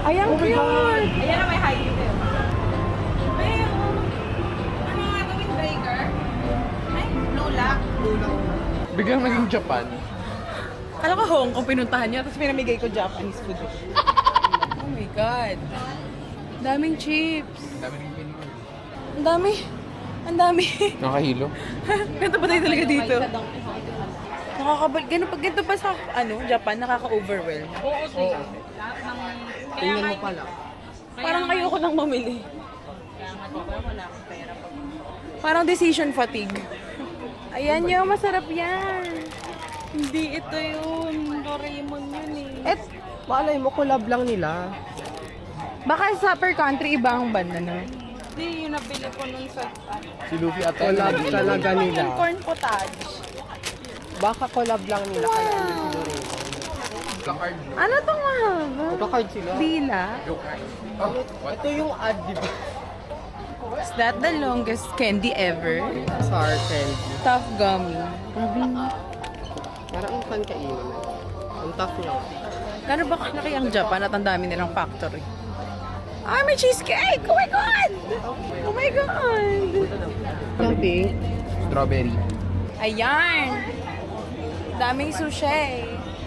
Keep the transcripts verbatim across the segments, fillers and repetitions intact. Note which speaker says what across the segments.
Speaker 1: Ay, ang cute!
Speaker 2: Ayan na may high heel. Pero, ano nga ito, windbreaker? Ay, lula.
Speaker 3: Biglang naging Japan.
Speaker 1: Alam ko Hong Kong pinuntahan niya, tapos pinamigay ko Japanese food. Oh my God. Daming chips.
Speaker 3: Dami rin pinili.
Speaker 1: Ang dami. Ang dami.
Speaker 3: Nakahilo.
Speaker 1: Ganito ba tayo talaga dito? Nakakabal. Ganito, ganito pa sa ano, Japan, nakaka-overwhelm.
Speaker 2: Oo, sige.
Speaker 3: Tingnan mo pala.
Speaker 1: Parang ayoko nang mamili.
Speaker 2: Kaya nga diba, wala akong pera.
Speaker 1: Parang decision fatigue. Ayan yun, masarap yan. Hindi ito yun. Doraemon yun eh.
Speaker 4: Et, malay mo, collab lang nila.
Speaker 1: Baka sa per country, iba ang banda na.
Speaker 2: Hindi, yung nabili ko nun sa...
Speaker 3: Si Luffy at Ella.
Speaker 4: Collab talaga nila.
Speaker 1: Yung corn potage.
Speaker 4: Baka collab lang nila. Kaya ano siguro.
Speaker 3: Ka-card.
Speaker 1: Ano tong mahaba?
Speaker 4: Magka-card sila.
Speaker 1: Dila?
Speaker 3: Oh, what?
Speaker 4: Ito yung ad, di ba?
Speaker 1: Is that the longest candy ever?
Speaker 4: Sour candy.
Speaker 1: Tough gummy. Grabe na.
Speaker 4: Parang ang fun kainin. Ang tough lang.
Speaker 1: Gano'n ba kalaki ang Japan at ang dami nilang factory? Ah, may cheesecake! Oh my God! Oh my God!
Speaker 4: Yung pink.
Speaker 3: Strawberry.
Speaker 1: Ayan! Daming sushi.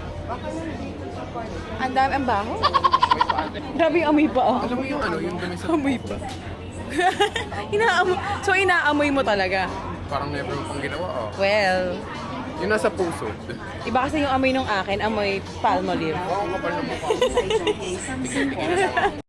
Speaker 1: Ang dami, ang baho. Grabe yung amoy pa, oh.
Speaker 3: Alam mo yung ano, yung dumi sa...
Speaker 1: Amoy pa. Inaamoy. So, inaamoy mo talaga?
Speaker 3: Parang never mo pang ginawa, oh.
Speaker 1: Well,
Speaker 3: Yung nasa puso.
Speaker 1: iba kasi yung amoy nung akin, amoy palmolive.
Speaker 3: Oo, kapal na mukha. Tingnan, tingnan.